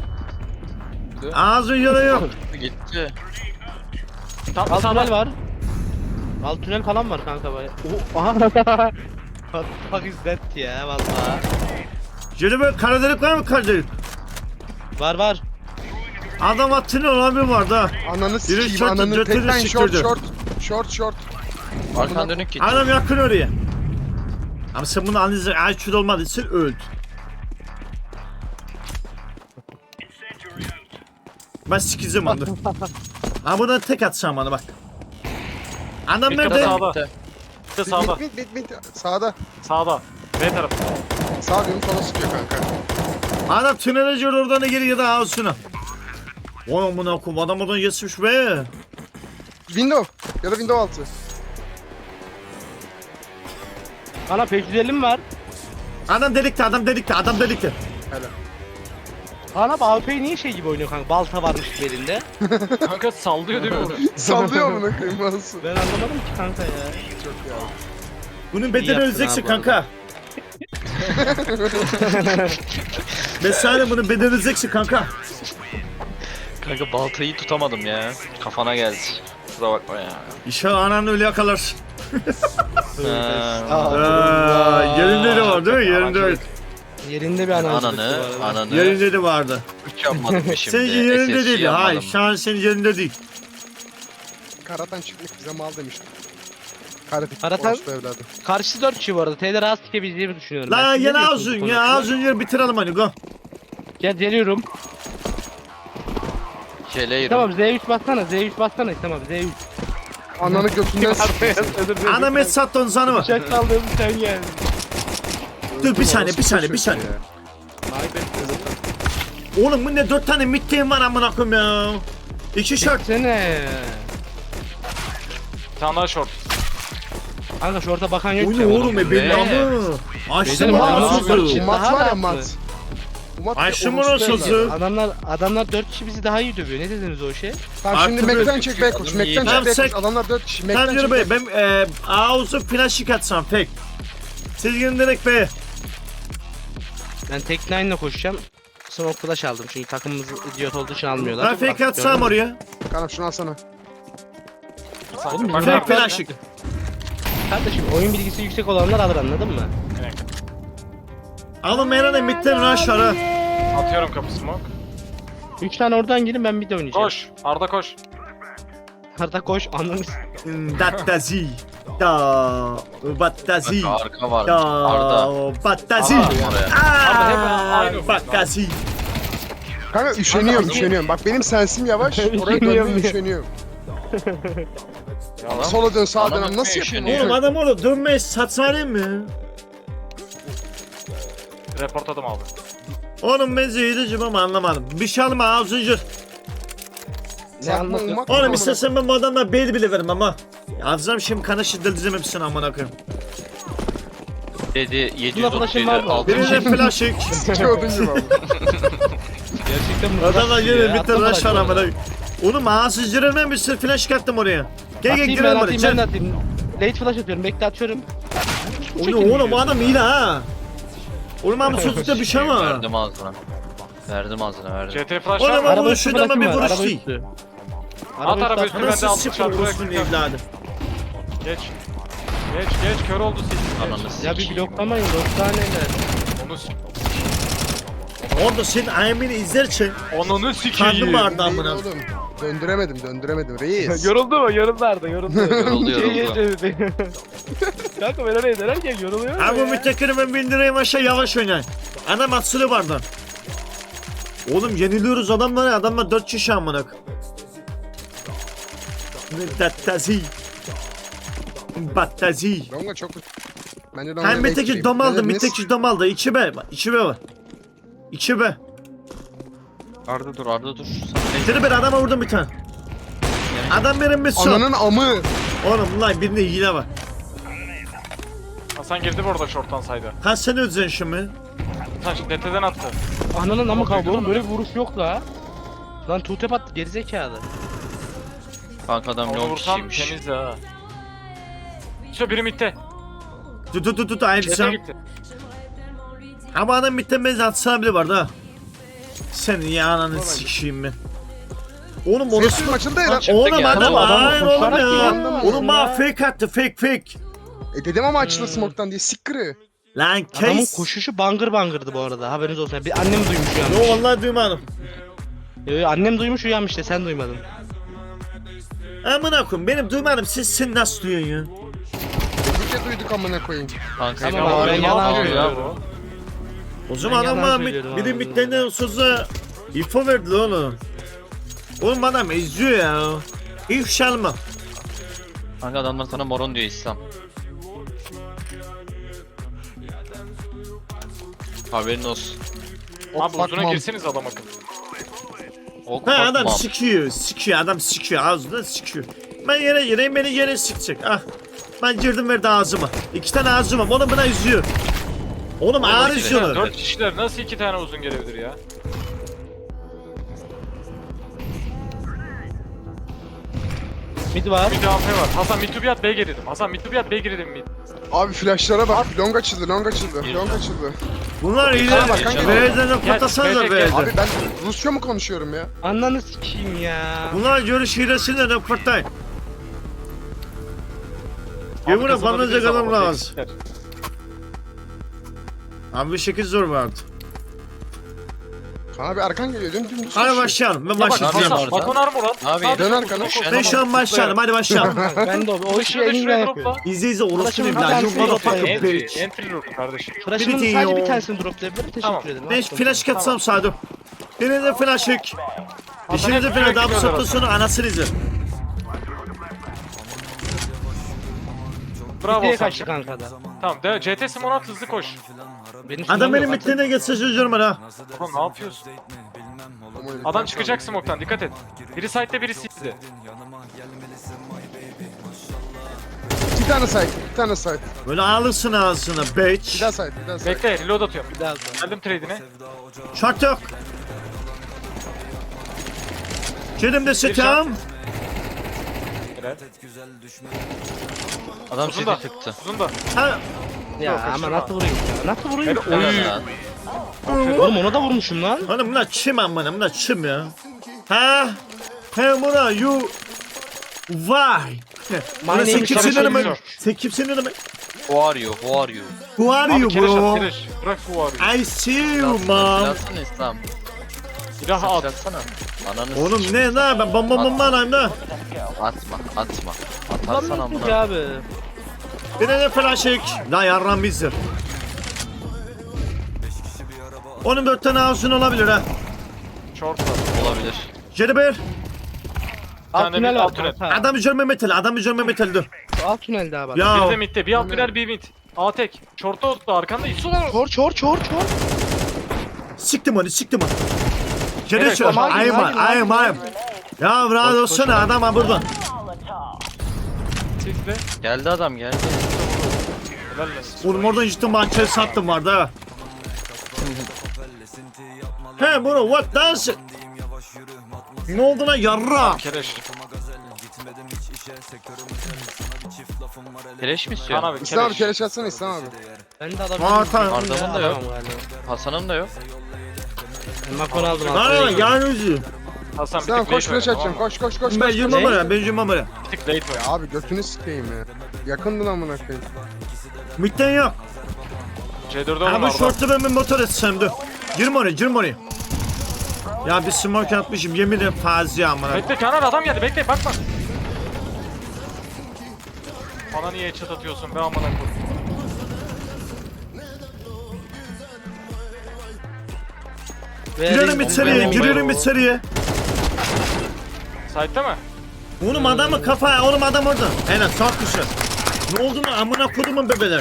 [SPEAKER 1] Ağzı yolu yok.
[SPEAKER 3] Gitti.
[SPEAKER 4] Tam
[SPEAKER 2] Alt
[SPEAKER 4] sağda.
[SPEAKER 2] var. Alt tünel falan var kanka baya. Aha. What the fuck is that ya valla.
[SPEAKER 1] Şöyle böyle kara delik var mı kara delik?
[SPEAKER 2] Var.
[SPEAKER 1] Adam attığını olan bir vardı ha.
[SPEAKER 5] Ananı
[SPEAKER 1] Biri
[SPEAKER 5] sikeyim
[SPEAKER 1] şort,
[SPEAKER 5] ananı.
[SPEAKER 1] götünü
[SPEAKER 5] Tekten short
[SPEAKER 1] siktirdi.
[SPEAKER 5] short.
[SPEAKER 3] Arkan dönük git.
[SPEAKER 1] Adam yakın oraya. Ama sen bunu anlayacak. Ay şurada olmadı. Sen öldün. Ben sikeceğim onu. Ha buradan tek atsam bana bak. Adam
[SPEAKER 4] Bitti
[SPEAKER 1] nerede?
[SPEAKER 4] sağda. Bitti sağda.
[SPEAKER 5] Mid. Sağda.
[SPEAKER 4] Sağda. B tarafı.
[SPEAKER 5] Sağ diyorum sola sıkıyor kanka.
[SPEAKER 1] Adam tünele gir oradan da geri ya da ağzına. Oğlum bunu okum. Adam oradan geçmiş be.
[SPEAKER 5] Window ya da window altı.
[SPEAKER 2] Ana 550 mi var?
[SPEAKER 1] Adam delikti.
[SPEAKER 5] Helal.
[SPEAKER 2] Ana AWP niye şey gibi oynuyor kanka? Balta varmış belinde.
[SPEAKER 4] Kanka sallıyor değil mi onu?
[SPEAKER 5] Sallıyor mu ne koyayım nasıl?
[SPEAKER 2] Ben anlamadım ki kanka ya.
[SPEAKER 5] Çok ya.
[SPEAKER 1] Bunun
[SPEAKER 2] İyi
[SPEAKER 1] bedeni
[SPEAKER 2] yaptın
[SPEAKER 1] öleceksin
[SPEAKER 2] abi
[SPEAKER 1] kanka. Mesela bunun bedeni öleceksin kanka.
[SPEAKER 3] Kanka baltayı tutamadım ya. Kafana geldi. Kusura bakma ya.
[SPEAKER 1] İnşallah ananı öyle yakalarsın.
[SPEAKER 2] Aa,
[SPEAKER 1] Yerinde de var değil mi? Yerinde evet.
[SPEAKER 2] Yerinde bir ananı.
[SPEAKER 3] Ananı.
[SPEAKER 1] Yerinde de vardı.
[SPEAKER 3] Üç yapmadım şimdi.
[SPEAKER 1] Senin yerinde
[SPEAKER 3] SSC
[SPEAKER 1] değil.
[SPEAKER 3] yapmadım.
[SPEAKER 1] Hayır şu an senin yerinde değil.
[SPEAKER 5] Karatan çıkmak bize mal demiştim. Karatan
[SPEAKER 2] Karatan-
[SPEAKER 5] orospu evladı.
[SPEAKER 2] Karşısı 4 kişi bu arada. T'de rahat sikebileceğimi düşünüyorum.
[SPEAKER 1] La
[SPEAKER 2] Siz ne
[SPEAKER 1] yine
[SPEAKER 2] diyorsunuz
[SPEAKER 1] ağzın
[SPEAKER 2] bu
[SPEAKER 1] ya
[SPEAKER 2] konuda?
[SPEAKER 1] ağzın yer bitirelim hani go.
[SPEAKER 2] Geliyorum.
[SPEAKER 3] Keleğim.
[SPEAKER 2] Tamam Z3 bassana. Z3 bassana. Tamam Z3.
[SPEAKER 5] Ananı götünden sikeyim.
[SPEAKER 1] Ana met sattı onu sana mı?
[SPEAKER 2] Bıçak saldığım sen geldin.
[SPEAKER 1] Dur bir saniye. Oğlum bu ne 4 tane midgame var amına koyayım ya. 2 şart.
[SPEAKER 2] Sene.
[SPEAKER 4] Bir tane daha short.
[SPEAKER 2] Kanka şorta bakan yok
[SPEAKER 1] O
[SPEAKER 2] ki.
[SPEAKER 1] ne oğlum be benim
[SPEAKER 3] Ne?
[SPEAKER 1] amı. Açtım
[SPEAKER 2] Benim
[SPEAKER 1] bana
[SPEAKER 2] amı.
[SPEAKER 1] sözü.
[SPEAKER 5] Mat
[SPEAKER 2] Daha
[SPEAKER 5] var ya
[SPEAKER 2] rahatlı.
[SPEAKER 5] mat. Mat
[SPEAKER 1] Açtım
[SPEAKER 5] orospu
[SPEAKER 1] bana
[SPEAKER 5] evladı.
[SPEAKER 1] sözü.
[SPEAKER 2] Adamlar 4 kişi bizi daha iyi dövüyor. Ne dediniz o şey?
[SPEAKER 5] Tamam şimdi
[SPEAKER 1] Artı
[SPEAKER 5] Mac'den
[SPEAKER 1] bir-
[SPEAKER 5] çek back koş. Mac'den
[SPEAKER 1] Tamam,
[SPEAKER 5] çek back
[SPEAKER 1] sen-
[SPEAKER 5] koş. Adamlar 4 kişi.
[SPEAKER 1] Tamam
[SPEAKER 5] Mac'den
[SPEAKER 1] yürü
[SPEAKER 5] çek
[SPEAKER 1] bey
[SPEAKER 5] back.
[SPEAKER 1] ben ağzı flash atsam pek. Siz gidin direkt be.
[SPEAKER 2] Ben tek 9'la koşacağım. Smoke flash aldım çünkü takımımız idiot olduğu için almıyorlar.
[SPEAKER 1] Ben fake
[SPEAKER 2] Bak,
[SPEAKER 1] atsam
[SPEAKER 2] gördün mü?
[SPEAKER 1] oraya.
[SPEAKER 5] Kanka şunu alsana.
[SPEAKER 4] Oğlum
[SPEAKER 1] Fake flash.
[SPEAKER 2] Kardeşim oyun bilgisi yüksek olanlar alır anladın mı?
[SPEAKER 1] Alın Meran'a midden rush var ha.
[SPEAKER 4] Atıyorum kapı smoke.
[SPEAKER 2] 3 tane oradan girin ben bir de oynayacağım.
[SPEAKER 4] Koş. Arda koş.
[SPEAKER 2] Arda koş anladın.
[SPEAKER 1] Dattazi. Da. Battazi.
[SPEAKER 3] Kanka arka var.
[SPEAKER 1] Da.
[SPEAKER 3] Arda.
[SPEAKER 1] Battazi.
[SPEAKER 3] Oraya.
[SPEAKER 4] Aynı.
[SPEAKER 1] Battazi.
[SPEAKER 5] Kanka üşeniyorum. Bak benim sensim yavaş. Oraya
[SPEAKER 2] Üşeniyorum
[SPEAKER 5] dönmeye
[SPEAKER 2] ya.
[SPEAKER 5] üşeniyorum.
[SPEAKER 3] Adam-
[SPEAKER 5] Sola dön sağa
[SPEAKER 3] Adam
[SPEAKER 5] dön. Nasıl
[SPEAKER 3] üşeniyor.
[SPEAKER 5] yapayım?
[SPEAKER 1] Oğlum adam oğlum dönmeyi satsana mı?
[SPEAKER 4] Reportladım abi.
[SPEAKER 1] Oğlum ben zehirliyim ama anlamadım. Bir şey alma ağzıncır.
[SPEAKER 2] Ne anlatıyor?
[SPEAKER 1] Oğlum istersen ben bu adamla bel bile veririm ama. Ağzım şimdi kana şiddetleyeceğim hepsini amına koyayım.
[SPEAKER 3] Dedi
[SPEAKER 2] Buna flash'ın var
[SPEAKER 3] 737
[SPEAKER 2] mı?
[SPEAKER 3] 6.
[SPEAKER 1] Birine flash çek.
[SPEAKER 5] Gördün gibi abi.
[SPEAKER 2] Gerçekten bu
[SPEAKER 1] Adamlar
[SPEAKER 2] ya.
[SPEAKER 1] yine bir
[SPEAKER 2] Attım
[SPEAKER 1] tane rush var
[SPEAKER 2] flash'ı
[SPEAKER 1] amına
[SPEAKER 2] orada.
[SPEAKER 1] koyayım. Oğlum ağzıncırın ben bir sürü flash kattım oraya. Gel
[SPEAKER 2] Atayım ben
[SPEAKER 1] girelim oraya.
[SPEAKER 2] atayım ben de
[SPEAKER 1] Gel.
[SPEAKER 2] atayım. Late flash atıyorum bekle atıyorum.
[SPEAKER 1] Oğlum bu adam iyi ha. Oğlum abi sözlükte bir şey var.
[SPEAKER 3] Verdim ağzına. Verdim ağzına verdim.
[SPEAKER 4] CT flash
[SPEAKER 1] Oğlum
[SPEAKER 4] var mı?
[SPEAKER 1] ama bu
[SPEAKER 2] üstü
[SPEAKER 1] şuradan
[SPEAKER 2] flash'ım
[SPEAKER 1] bir
[SPEAKER 2] var,
[SPEAKER 1] vuruş
[SPEAKER 2] araba
[SPEAKER 1] değil.
[SPEAKER 2] üstü.
[SPEAKER 4] At araba üstü ben de
[SPEAKER 1] Anasını
[SPEAKER 4] altı
[SPEAKER 1] sıfır
[SPEAKER 4] çarpı
[SPEAKER 1] olsun evladım.
[SPEAKER 4] Geç. Geç kör oldu sil.
[SPEAKER 3] Ananı
[SPEAKER 2] Ya bir
[SPEAKER 3] sikeyim.
[SPEAKER 2] bloklamayın dostaneler.
[SPEAKER 4] Onu s-
[SPEAKER 1] Orada senin ayemini izlerken
[SPEAKER 4] Onunu sikeyim.
[SPEAKER 1] karnım ağrıdı
[SPEAKER 5] Değil
[SPEAKER 1] amına.
[SPEAKER 5] oğlum. Döndüremedim reis.
[SPEAKER 2] Yoruldu mu? Yoruldu Arda yoruldu.
[SPEAKER 3] Yoruldu.
[SPEAKER 2] Kanka ben oraya denerken yoruluyor
[SPEAKER 1] Abi bu müttekini ben bindireyim aşağı yavaş oynayın. Adam atsılı bardan. Oğlum yeniliyoruz adamlara. Adamlar 4 kişi amına. Dattazi. Battazi.
[SPEAKER 5] Longa çok... Bence Longa
[SPEAKER 1] Hem mitteki
[SPEAKER 5] bekleyeyim.
[SPEAKER 1] dom aldı,
[SPEAKER 5] Dediniz.
[SPEAKER 1] mitteki dom aldı. 2B, 2B var. 2B.
[SPEAKER 3] Arda dur Arda dur.
[SPEAKER 1] Seni bir adama vurdum bir tane. Adam benim bir son.
[SPEAKER 5] Ananın amı.
[SPEAKER 1] Oğlum lan birinde hile var.
[SPEAKER 4] Hasan girdi bu arada short'tan saydı.
[SPEAKER 1] Kaç sene ödeyeceksin şimdi?
[SPEAKER 4] Hasan şimdi DT'den attı.
[SPEAKER 2] Ananın amı kaldı oğlum böyle bir vuruş yok la. Lan tutep attı gerizekalı.
[SPEAKER 3] Kanka adam
[SPEAKER 4] Onu
[SPEAKER 3] long
[SPEAKER 4] vursam
[SPEAKER 3] kişiymiş.
[SPEAKER 4] temiz ha. İşte biri midde.
[SPEAKER 1] Tut aynı
[SPEAKER 4] CT
[SPEAKER 1] sen.
[SPEAKER 4] gitti.
[SPEAKER 1] Ama adam bitten benzi atsana bile vardı ha. Senin ya ananı sikişeyim ben. Oğlum orası...
[SPEAKER 5] Sesim açıldı ya lan.
[SPEAKER 1] Oğlum
[SPEAKER 3] geldi.
[SPEAKER 1] adam
[SPEAKER 2] Adam
[SPEAKER 1] hayır
[SPEAKER 2] koşarak
[SPEAKER 1] oğlum ya.
[SPEAKER 2] geldi.
[SPEAKER 1] Oğlum bana
[SPEAKER 2] Ya.
[SPEAKER 1] fake attı fake.
[SPEAKER 5] Dedim ama açıldı smoke'tan diye sikkırı.
[SPEAKER 1] Lan
[SPEAKER 2] Adamın
[SPEAKER 1] case.
[SPEAKER 2] koşuşu bangır bangırdı bu arada. Haberiniz olsun. Bir annem duymuş uyanmış.
[SPEAKER 1] Yo vallahi duymadım.
[SPEAKER 2] Annem duymuş uyanmış işte sen duymadın.
[SPEAKER 1] Amına koyayım benim duymadım sen nasıl duyuyorsun ya?
[SPEAKER 5] Ülke duyduk amına koyayım.
[SPEAKER 3] Kanka
[SPEAKER 2] Tamam
[SPEAKER 3] ya,
[SPEAKER 2] abi, ben
[SPEAKER 3] ya,
[SPEAKER 2] yalan
[SPEAKER 3] ya,
[SPEAKER 2] söylüyorum.
[SPEAKER 1] O zaman
[SPEAKER 2] Ben
[SPEAKER 1] adam
[SPEAKER 2] yalan
[SPEAKER 1] bana
[SPEAKER 2] söylüyorum
[SPEAKER 1] bir de
[SPEAKER 2] abi.
[SPEAKER 1] midlerinden sözü info verdi oğlum. Oğlum adam eziyor ya. İfşalma.
[SPEAKER 3] Kanka adamlar sana moron diyor İslam. Haberin olsun.
[SPEAKER 4] Abi uzuna
[SPEAKER 5] Bakmam.
[SPEAKER 4] girseniz adam akın.
[SPEAKER 3] Ok
[SPEAKER 1] Ha adam
[SPEAKER 3] bakmam.
[SPEAKER 1] sikiyor adam sikiyor ağzından sikiyor. Ben yere gireyim beni yere sikecek ah. Ben girdim verdi ağzıma. 2 tane ağzıma oğlum buna üzüyor. Oğlum ağır
[SPEAKER 3] Oğlum,
[SPEAKER 1] üzüyorlar.
[SPEAKER 4] 4 kişiler nasıl 2 tane uzun gelebilir ya?
[SPEAKER 2] Mid var.
[SPEAKER 4] Bir de AP var. Hasan mid to be at B girdim. Hasan mid to be at B girdim mid.
[SPEAKER 5] Abi flashlara bak. Long açıldı. Long açıldı.
[SPEAKER 1] Bunlar iyi
[SPEAKER 5] Bana bak kanka.
[SPEAKER 1] Beyazdan patlasanıza
[SPEAKER 4] gel,
[SPEAKER 1] beyazdan.
[SPEAKER 5] Abi ben Rusça mı konuşuyorum ya?
[SPEAKER 2] Ananı sikeyim ya.
[SPEAKER 1] Bunlar görüş hilesiyle de kurtay. Yemin
[SPEAKER 4] Abi
[SPEAKER 1] bana
[SPEAKER 4] kazanabiliriz
[SPEAKER 1] adam
[SPEAKER 4] ama
[SPEAKER 1] lazım.
[SPEAKER 4] eksikler.
[SPEAKER 1] Abi bir şekil zor vardı.
[SPEAKER 5] Kaan abi arkan geliyor. Dümdüz
[SPEAKER 1] Hadi
[SPEAKER 5] koşuyor.
[SPEAKER 1] başlayalım ben
[SPEAKER 4] Ya bak
[SPEAKER 1] başlayacağım.
[SPEAKER 3] Hasan,
[SPEAKER 4] Hasan bakon armor at.
[SPEAKER 3] Abi,
[SPEAKER 4] Sadece
[SPEAKER 5] dön
[SPEAKER 4] uzun
[SPEAKER 5] arkana.
[SPEAKER 4] koş.
[SPEAKER 1] Ben şu an başlayalım hadi başlayalım.
[SPEAKER 2] Ben de o işi en iyi ben
[SPEAKER 4] Şuraya
[SPEAKER 2] yapıyorum.
[SPEAKER 4] dropla.
[SPEAKER 1] İzle orası
[SPEAKER 2] Arkadaşım,
[SPEAKER 1] değil
[SPEAKER 2] bir
[SPEAKER 1] lan. You
[SPEAKER 2] tanesi
[SPEAKER 1] motherfucker
[SPEAKER 2] yok.
[SPEAKER 1] bitch.
[SPEAKER 4] Entry room kardeşim.
[SPEAKER 2] Flash'ımın
[SPEAKER 1] Bir
[SPEAKER 2] sadece
[SPEAKER 1] de
[SPEAKER 2] bir
[SPEAKER 1] o-
[SPEAKER 2] tanesini droplayabilirim. Teşekkür
[SPEAKER 4] Tamam.
[SPEAKER 2] ederim.
[SPEAKER 1] Ben
[SPEAKER 2] Attım.
[SPEAKER 1] flash katsam Sadu. Birinde flash yük. İşinize flash daha bu saatten sonra anasını izle.
[SPEAKER 4] Bravo
[SPEAKER 2] Diye
[SPEAKER 4] Hasan.
[SPEAKER 2] kaçtı kanka da.
[SPEAKER 4] Tamam de CT Simon at hızlı koş.
[SPEAKER 2] Benim
[SPEAKER 1] Adam
[SPEAKER 2] sunum
[SPEAKER 1] benim
[SPEAKER 2] yok.
[SPEAKER 1] bittiğine geçse sözlerim ha.
[SPEAKER 4] Ulan ne yapıyorsun? Adam çıkacak smoke'tan dikkat et. Biri side'de biri city'de.
[SPEAKER 5] Bir tane site.
[SPEAKER 1] Böyle alırsın ağzına
[SPEAKER 5] Bir
[SPEAKER 1] bitch.
[SPEAKER 5] daha site.
[SPEAKER 4] Bekle reload atıyorum.
[SPEAKER 2] Bir daha sonra.
[SPEAKER 4] Geldim trade'ine.
[SPEAKER 1] Şart yok. Kedim de setam.
[SPEAKER 4] Helal.
[SPEAKER 3] Adam
[SPEAKER 4] Uzun da.
[SPEAKER 3] seti tıktı.
[SPEAKER 4] Uzun da.
[SPEAKER 1] Ha,
[SPEAKER 2] Ya ama
[SPEAKER 4] kaçırma.
[SPEAKER 2] nasıl vurayım ya? Nasıl vurayım?
[SPEAKER 4] Helal. Oy.
[SPEAKER 3] Lan.
[SPEAKER 2] Oğlum ona da vurmuşum lan.
[SPEAKER 1] oğlum bunlar çim amına bunlar çim ya. Ha? He buna you. Vay. Buna sen
[SPEAKER 2] name is
[SPEAKER 1] kimsin
[SPEAKER 2] Şarap
[SPEAKER 1] demek?
[SPEAKER 4] Şarap.
[SPEAKER 1] Sen kimsin demek?
[SPEAKER 3] Who are you? Who are you?
[SPEAKER 1] Who are
[SPEAKER 4] Abi
[SPEAKER 1] you
[SPEAKER 4] kereş
[SPEAKER 1] bro?
[SPEAKER 4] at kereş. Bırak bu arıyı.
[SPEAKER 1] I see you mom.
[SPEAKER 3] Silahsana İslam.
[SPEAKER 4] Silah at.
[SPEAKER 3] Silahsana. Ananı
[SPEAKER 1] Oğlum
[SPEAKER 3] sikeyim.
[SPEAKER 1] ne ben bomba alayım da.
[SPEAKER 3] Atma.
[SPEAKER 2] Lan
[SPEAKER 3] Atarsan
[SPEAKER 2] bittik
[SPEAKER 3] amına.
[SPEAKER 2] abi.
[SPEAKER 1] Bir de flash yük. La yarram bizdir. Onun 4 tane ağzın olabilir ha.
[SPEAKER 4] Short var.
[SPEAKER 3] Olabilir.
[SPEAKER 1] Jelibir.
[SPEAKER 2] Alt
[SPEAKER 4] tane
[SPEAKER 2] tünel
[SPEAKER 4] bir
[SPEAKER 2] var
[SPEAKER 4] alt tünel.
[SPEAKER 2] kanka.
[SPEAKER 1] Adam üzerime metal dur.
[SPEAKER 2] Alt tünel daha var.
[SPEAKER 4] Bir de
[SPEAKER 1] Ya
[SPEAKER 4] midde. Bir alt birer bir mid. A tek. Short'a oturdu arkanda. İsu var.
[SPEAKER 2] Çor.
[SPEAKER 1] siktim onu. Gene
[SPEAKER 4] Evet,
[SPEAKER 1] şu.
[SPEAKER 2] ama
[SPEAKER 1] Ayım. Ya rahat olsana adam ha burada.
[SPEAKER 4] Sizde.
[SPEAKER 3] Geldi adam geldi.
[SPEAKER 4] Helal lan.
[SPEAKER 1] Oğlum oradan cidden bahçeli sattım vardı ha. He bro what does it? Ne oldu lan yarra?
[SPEAKER 4] Kereş.
[SPEAKER 3] Keleş mi
[SPEAKER 4] Kaan
[SPEAKER 3] istiyorsun?
[SPEAKER 4] abi
[SPEAKER 5] İslam abi
[SPEAKER 4] kereş.
[SPEAKER 5] keleş atsana İslam abi.
[SPEAKER 2] Ben de adam.
[SPEAKER 1] Aa, tamam.
[SPEAKER 3] Arda'nın da yok. Hasan'ın da yok.
[SPEAKER 2] Makon aldım.
[SPEAKER 1] Lan yan yüzü.
[SPEAKER 4] Hasan bir
[SPEAKER 5] İslam
[SPEAKER 4] tık
[SPEAKER 5] koş
[SPEAKER 4] late
[SPEAKER 5] flash
[SPEAKER 4] oyna,
[SPEAKER 5] atacağım.
[SPEAKER 4] tamam mı?
[SPEAKER 5] Koş.
[SPEAKER 1] Ben yürümem oraya.
[SPEAKER 4] Bir tık late oyna.
[SPEAKER 5] Abi götünü sikeyim ya. Yakındın amına koyayım.
[SPEAKER 1] Mitten yok.
[SPEAKER 4] C4'e
[SPEAKER 1] Ha
[SPEAKER 4] oğlum
[SPEAKER 1] bu
[SPEAKER 4] Arda.
[SPEAKER 1] şortu ben bir motor etsem dur. Girme oraya. Ya bir smoke atmışım yemin ederim fazi amına.
[SPEAKER 4] Bekle Kaan abi adam geldi bekle bakma. Bana niye çat atıyorsun be amına koyayım.
[SPEAKER 1] Giriyorum içeriye.
[SPEAKER 4] Side'de mi?
[SPEAKER 1] Oğlum adamı kafa, oğlum adam orada. Aynen çok güzel. Ne oldu mu amına kodumun bebeler.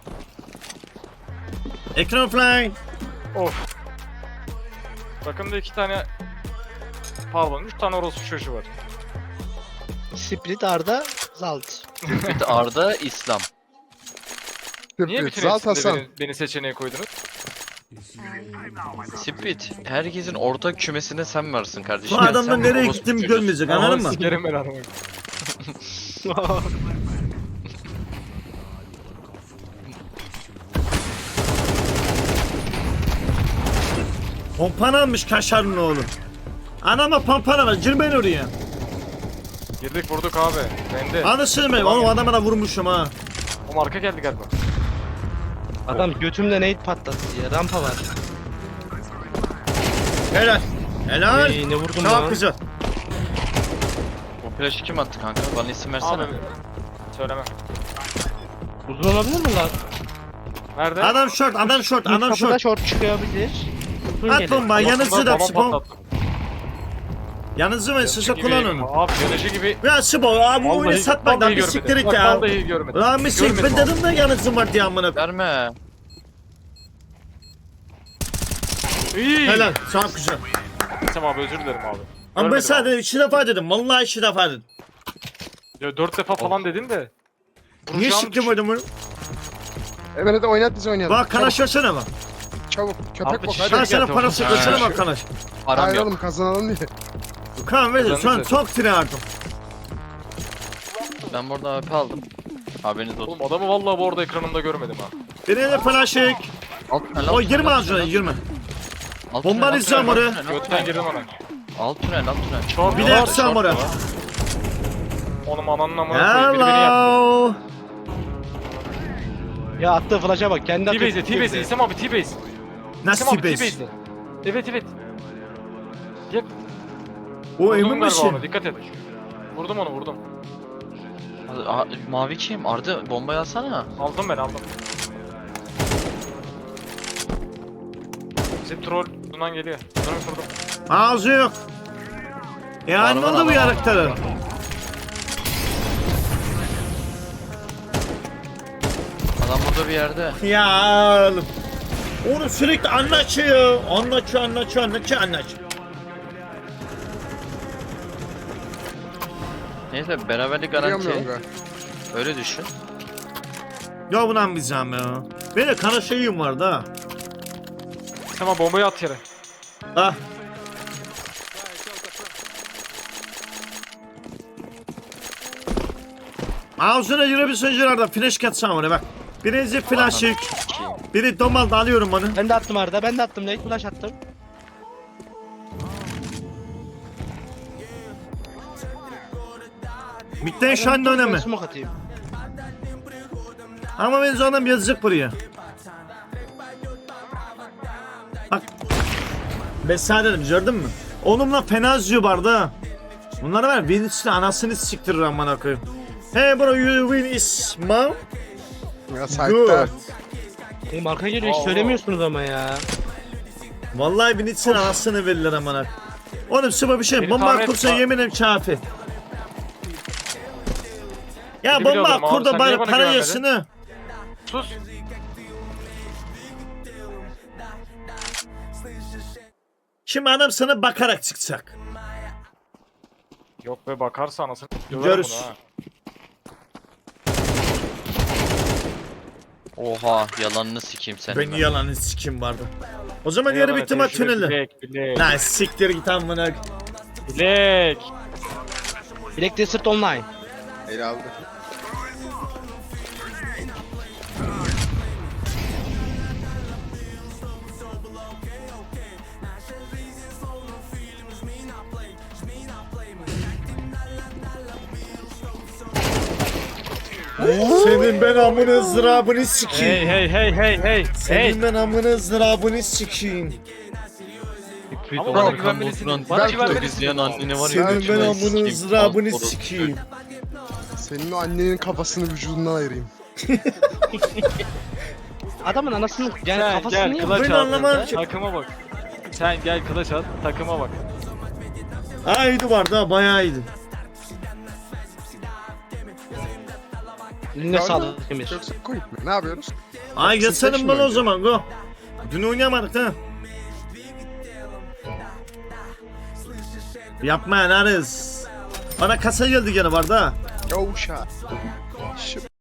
[SPEAKER 1] Ekran fly.
[SPEAKER 4] Of. Bakın da 2 tane pardon 3 tane orospu çocuğu var.
[SPEAKER 2] Split Arda Zalt.
[SPEAKER 3] Bir de Arda İslam.
[SPEAKER 4] Niye
[SPEAKER 5] Tıp
[SPEAKER 4] bütün
[SPEAKER 5] Zalt
[SPEAKER 4] hepsinde
[SPEAKER 5] Hasan.
[SPEAKER 4] beni seçeneğe koydunuz?
[SPEAKER 3] Split. Herkesin ortak kümesinde sen varsın kardeşim.
[SPEAKER 1] Bu adamın
[SPEAKER 3] Sen
[SPEAKER 1] nereye
[SPEAKER 3] orospu
[SPEAKER 1] gittiğimi
[SPEAKER 3] çocuğusun.
[SPEAKER 1] görmeyecek anladın mı?
[SPEAKER 4] Sikerim ben adamı.
[SPEAKER 1] Pompan almış kaşarın oğlum. Anama pampana var. Girmeyin oraya.
[SPEAKER 4] Girdik vurduk abi. Bende.
[SPEAKER 1] Anasını ben. Oğlum adama da vurmuşum ha.
[SPEAKER 4] O marka geldi galiba.
[SPEAKER 2] Adam götümde nade patlattı ya. Rampa var.
[SPEAKER 1] Helal. Helal.
[SPEAKER 2] Ne vurdum
[SPEAKER 1] Çok
[SPEAKER 2] lan?
[SPEAKER 1] güzel.
[SPEAKER 3] O flash'ı kim attı kanka? Bana isim versene.
[SPEAKER 4] Abi. Söyleme.
[SPEAKER 2] Uzun olabilir mi lan?
[SPEAKER 4] Nerede?
[SPEAKER 1] Adam short, adam short, adam
[SPEAKER 2] Kapıda
[SPEAKER 1] short.
[SPEAKER 2] short çıkabilir. Uzun
[SPEAKER 1] At
[SPEAKER 2] gelir.
[SPEAKER 1] bomba, yanınızı da
[SPEAKER 4] Babam
[SPEAKER 1] Sibo.
[SPEAKER 4] patlattı.
[SPEAKER 1] Yanınızı ve size
[SPEAKER 4] Gibi-
[SPEAKER 1] kullanın onu.
[SPEAKER 4] Abi yanıcı gibi.
[SPEAKER 1] Ya Sibo abi bu oyunu satmak lan bir
[SPEAKER 4] görmedim.
[SPEAKER 1] siktir et
[SPEAKER 4] Bak,
[SPEAKER 1] ya.
[SPEAKER 4] Vallahi görmedim.
[SPEAKER 1] Lan bir siktir ben
[SPEAKER 4] Görmedim
[SPEAKER 1] dedim de yanınızın var diye amına.
[SPEAKER 3] Verme.
[SPEAKER 4] İyi.
[SPEAKER 1] Helal, çok güzel.
[SPEAKER 4] Tamam abi özür dilerim abi.
[SPEAKER 1] Ama ben
[SPEAKER 4] Görmedim
[SPEAKER 1] sadece
[SPEAKER 4] abi.
[SPEAKER 1] 2 defa dedim. Vallahi 2 defa dedim.
[SPEAKER 4] Ya 4 defa falan dedin de.
[SPEAKER 1] Niye
[SPEAKER 4] Vuracağım
[SPEAKER 1] siktim oyunu bunu?
[SPEAKER 5] Hemen hadi oynat bizi oynayalım.
[SPEAKER 1] Bak kanaş versene bak.
[SPEAKER 5] Çabuk. Köpek
[SPEAKER 4] Abi,
[SPEAKER 5] bok
[SPEAKER 4] şey-
[SPEAKER 5] hadi.
[SPEAKER 1] Ben sana
[SPEAKER 4] gel,
[SPEAKER 1] parası
[SPEAKER 4] tamam.
[SPEAKER 1] versene
[SPEAKER 4] Ha.
[SPEAKER 1] bak kanaş.
[SPEAKER 3] Param yok.
[SPEAKER 5] Ayrılalım kazanalım diye.
[SPEAKER 1] Kan ver şu an
[SPEAKER 4] Kazanırız.
[SPEAKER 1] çok tirardım.
[SPEAKER 3] Ben burada AP aldım. Haberiniz olsun.
[SPEAKER 4] Oğlum adamı vallahi bu arada ekranımda görmedim ha.
[SPEAKER 1] Birine de flaşık.
[SPEAKER 3] Alt tünel, alt
[SPEAKER 1] O
[SPEAKER 3] tünel,
[SPEAKER 1] girme
[SPEAKER 3] alt
[SPEAKER 1] ağzına
[SPEAKER 3] tünel,
[SPEAKER 1] girme.
[SPEAKER 3] alt
[SPEAKER 1] Bomba
[SPEAKER 3] tünel, alt
[SPEAKER 1] atacağım
[SPEAKER 3] tünel,
[SPEAKER 1] oraya.
[SPEAKER 3] alt tünel, alt
[SPEAKER 4] Götten
[SPEAKER 3] tünel.
[SPEAKER 4] girdim ona.
[SPEAKER 3] Alt tünel, alt tünel.
[SPEAKER 4] Short
[SPEAKER 1] Bir
[SPEAKER 4] var,
[SPEAKER 1] de yapsam
[SPEAKER 4] short
[SPEAKER 1] oraya.
[SPEAKER 4] var. Onun ananın amına koyayım biri beni yaptı.
[SPEAKER 1] Hello.
[SPEAKER 2] Ya attığı flash'a bak. Kendi atıyor.
[SPEAKER 4] T-Base'e T-Base'e İsem abi T-Base.
[SPEAKER 1] Nasıl
[SPEAKER 4] İsem abi
[SPEAKER 1] T-Base?
[SPEAKER 4] T-Base'e. Evet evet. Yep.
[SPEAKER 1] O
[SPEAKER 4] Vurdum
[SPEAKER 1] emin
[SPEAKER 4] galiba
[SPEAKER 1] misin?
[SPEAKER 4] onu, dikkat et. Vurdum onu vurdum.
[SPEAKER 3] Mavi kim? Arda bombayı alsana.
[SPEAKER 4] Aldım ben aldım. Bizim troll bundan geliyor. Bunu vurdum.
[SPEAKER 1] Ağzı yok. Yani
[SPEAKER 3] Var,
[SPEAKER 1] oldu bu
[SPEAKER 3] var.
[SPEAKER 1] yarakları.
[SPEAKER 3] Adam burada bir yerde.
[SPEAKER 1] Ya oğlum. Oğlum sürekli anlatıyor. Anlatıyor.
[SPEAKER 3] Neyse beraberlik
[SPEAKER 5] Biliyorum
[SPEAKER 3] garanti.
[SPEAKER 5] yonga.
[SPEAKER 3] Öyle düşün.
[SPEAKER 1] Ya buna bizem ya. Benim kana şeyim vardı ha.
[SPEAKER 4] İsem abi bombayı at yere.
[SPEAKER 1] Ah. Ağzına girebilsin civarda flash katsam oraya bak. Birinci flash'ık. Biri domalda alıyorum onu.
[SPEAKER 2] Ben de attım Arda. Ben de attım. Nade flash attım.
[SPEAKER 1] Bitten şu anda önemli.
[SPEAKER 2] Smoke atayım.
[SPEAKER 1] Ama ben sonra yazacak buraya. Bak. Ben sana dedim gördün mü? Onunla fena zıyor barda. ha. Bunları var Vinicius'un anasını siktirir amına koyayım. Hey bro you win is mom.
[SPEAKER 5] Ya sahipte.
[SPEAKER 2] Oğlum arka geliyor. Hiç
[SPEAKER 4] Allah.
[SPEAKER 2] söylemiyorsunuz ama ya.
[SPEAKER 1] Vallahi Vinicius'un anasını verirler amına. Oğlum sıvı bir şey
[SPEAKER 4] Beni
[SPEAKER 1] bomba
[SPEAKER 4] tahmin et-
[SPEAKER 1] kursa yeminim kafi. Ya
[SPEAKER 4] Beni
[SPEAKER 1] bomba
[SPEAKER 4] biliyordum abi,
[SPEAKER 1] kurda
[SPEAKER 4] sen
[SPEAKER 1] bari
[SPEAKER 4] niye bana
[SPEAKER 1] para
[SPEAKER 4] güvenmedin?
[SPEAKER 1] yesin ha.
[SPEAKER 4] Sus.
[SPEAKER 1] Şimdi adam sana bakarak çıkacak.
[SPEAKER 4] Yok be bakarsa anasını. Döverim
[SPEAKER 1] Görüş.
[SPEAKER 4] bunu ha.
[SPEAKER 3] Oha yalanını sikeyim senin.
[SPEAKER 1] Ben
[SPEAKER 3] ben.
[SPEAKER 1] yalanı sikim vardı. O zaman
[SPEAKER 4] Ne
[SPEAKER 1] yarı
[SPEAKER 4] yalan
[SPEAKER 1] bitti maç
[SPEAKER 4] tecrübe,
[SPEAKER 1] tüneli.
[SPEAKER 4] Bilek.
[SPEAKER 1] Lan siktir git amına.
[SPEAKER 4] Bilek.
[SPEAKER 2] Black Desert Online.
[SPEAKER 5] Ele aldı.
[SPEAKER 1] Senin ben amına ızdırabını sikeyim.
[SPEAKER 4] Hey.
[SPEAKER 1] Senin ben amına ızdırabını sikeyim.
[SPEAKER 4] Ama bana güvenmelisin. Bana güvenmelisin.
[SPEAKER 3] İzleyen anneni var ya.
[SPEAKER 1] Senin ben
[SPEAKER 3] götüme
[SPEAKER 1] amına
[SPEAKER 3] sikeyim.
[SPEAKER 1] ızdırabını
[SPEAKER 3] Orospu
[SPEAKER 1] sikeyim.
[SPEAKER 5] Senin o annenin kafasını vücudundan ayırayım.
[SPEAKER 2] Adamın anasını yani
[SPEAKER 4] Sen
[SPEAKER 2] kafasını
[SPEAKER 4] gel
[SPEAKER 2] niye
[SPEAKER 4] kılaç
[SPEAKER 1] Ben
[SPEAKER 4] at.
[SPEAKER 1] anlamadım ki.
[SPEAKER 4] Takıma bak. Sen gel kılaç at. Takıma bak.
[SPEAKER 1] Ha iyiydi vardı ha bayağı iyiydi.
[SPEAKER 2] Eline sağlık Emir.
[SPEAKER 5] Yoksa koyup mu? Ne yapıyoruz?
[SPEAKER 1] Ay geçelim
[SPEAKER 5] seçme
[SPEAKER 1] bana o
[SPEAKER 5] önce.
[SPEAKER 1] zaman go. Dün oynayamadık ha. Yapma yanarız. Bana kasa geldi gene vardı ha.
[SPEAKER 5] Yo shot. Şu